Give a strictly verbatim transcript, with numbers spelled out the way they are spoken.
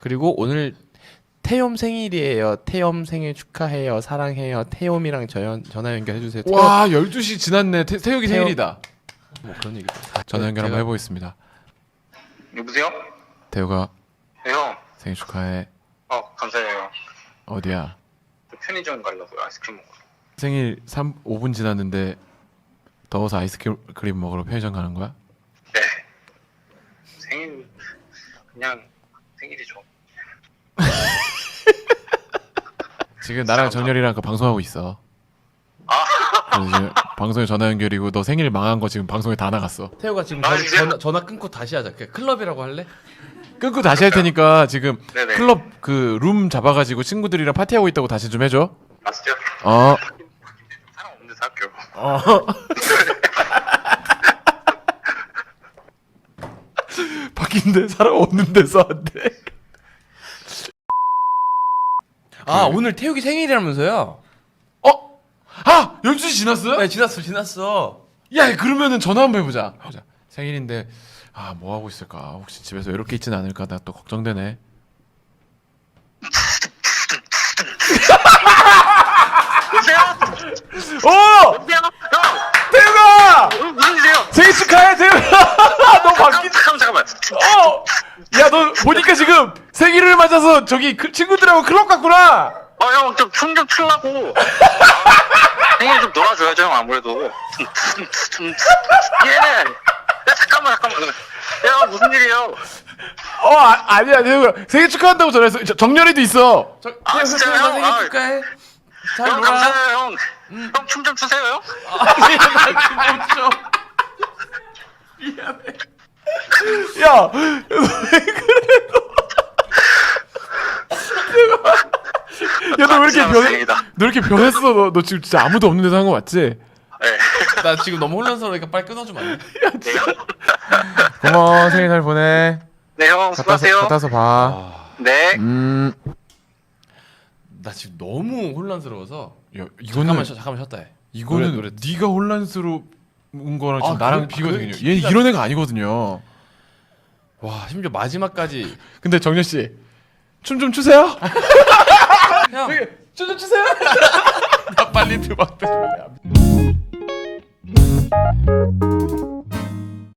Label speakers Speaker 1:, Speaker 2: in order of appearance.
Speaker 1: 그리고 오늘 태욤 생일이에요. 태욤 생일 축하해요. 사랑해요. 태욤이랑 전, 전화 연결해주세요. 태욤.
Speaker 2: 와 열두 시 지났네. 태, 태욱이
Speaker 1: 태욱.
Speaker 2: 생일이다.
Speaker 1: 뭐 그런 얘기.
Speaker 2: 전화 연결 한번 해보겠습니다.
Speaker 3: 여보세요?
Speaker 2: 태욱아
Speaker 3: 네, 형.
Speaker 2: 생일 축하해.
Speaker 3: 어, 감사해요.
Speaker 2: 어디야?
Speaker 3: 저 편의점 가려고요. 아이스크림 먹으러.
Speaker 2: 생일 삼, 오 분 지났는데 더워서 아이스크림 먹으러 편의점 가는 거야?
Speaker 3: 네. 생일, 그냥 생일이죠.
Speaker 2: 지금 나랑 정열이랑 그 방송하고 있어.
Speaker 3: 아,
Speaker 2: 그래서 지금 방송에 전화 연결이고 너 생일 망한 거 지금 방송에 다 나갔어.
Speaker 1: 태호가 지금
Speaker 3: 아,
Speaker 1: 전,
Speaker 3: 진짜?
Speaker 1: 전화, 전화 끊고 다시 하자. 그냥 클럽이라고 할래?
Speaker 2: 끊고 다시 할 테니까 지금
Speaker 3: 네네.
Speaker 2: 클럽 그 룸 잡아가지고 친구들이랑 파티하고 있다고 다시 좀 해줘.
Speaker 3: 아시죠?
Speaker 2: 어.
Speaker 3: 사람 없는 데서 할게요.
Speaker 2: 어. 바뀐데 사람 없는 데서 한대.
Speaker 1: 아 오늘 태욱이 생일이라면서요?
Speaker 2: 어? 아 열두 시 지났어요?
Speaker 1: 네 지났어 지났어.
Speaker 2: 야 그러면은 전화 한번 해보자. 보자. 생일인데 아 뭐 하고 있을까? 혹시 집에서 이렇게 있진 않을까? 나 또 걱정되네.
Speaker 3: 여보세요?
Speaker 2: 어!
Speaker 3: 여보세요? 형!
Speaker 2: 태우가!
Speaker 3: 어, 무슨 일이세요?
Speaker 2: 생일 축하해 태우가! 너 바뀐.
Speaker 3: 잠깐만, 잠깐만.
Speaker 2: 어! 야 너 보니까 지금 생일을 맞아서 저기 그 친구들하고 클럽 갔구나.
Speaker 3: 어, 형, 좀 춤 좀 추려고. 생일 좀 놀아줘야죠, 형, 아무래도. 예! 야, 잠깐만, 잠깐만. 야, 무슨 일이에요?
Speaker 2: 어 아, 아니야 태우가 생일 축하한다고 전화했어. 저, 정렬이도 있어.
Speaker 1: 저,
Speaker 3: 아,
Speaker 1: 태욱
Speaker 3: 진짜요?
Speaker 1: 태욱아 생일
Speaker 3: 아,
Speaker 1: 축하해. 잘
Speaker 3: 형,
Speaker 1: 놀아.
Speaker 3: 감사해요, 형. 형, 춤 좀 추세요, 형.
Speaker 1: 아니 나못 줘. 미안해.
Speaker 2: 야, 왜 그래 너? 야, 너 왜 이렇게 변해?
Speaker 3: 다행이다.
Speaker 2: 너 이렇게 변했어? 너, 너 지금 진짜 아무도 없는 데서 한 거 맞지?
Speaker 3: 네.
Speaker 1: 나 지금 너무 혼란스러우니까 빨리 끊어주면 안 돼?
Speaker 3: 네, 형.
Speaker 2: 고마워, 생일 잘 보내.
Speaker 3: 네, 형, 수고하세요.
Speaker 2: 갔다서 봐.
Speaker 3: 네.
Speaker 2: 음,
Speaker 1: 나 지금 너무 혼란스러워서.
Speaker 2: 야,
Speaker 1: 잠깐만
Speaker 2: 이거는
Speaker 1: 쉬, 잠깐만 쉬었다 해.
Speaker 2: 이거는
Speaker 1: 노래, 노래.
Speaker 2: 네가 혼란스러운 거랑 지금
Speaker 1: 아,
Speaker 2: 나랑
Speaker 1: 그래?
Speaker 2: 비교되거든요.
Speaker 1: 그래?
Speaker 2: 얘 이런 애가 아니거든요.
Speaker 1: 와 심지어 마지막까지.
Speaker 2: 근데 정렬 씨, 춤 좀 추세요.
Speaker 1: 형.
Speaker 2: 춤 좀 추세요. 나 빨리 음악 들을래.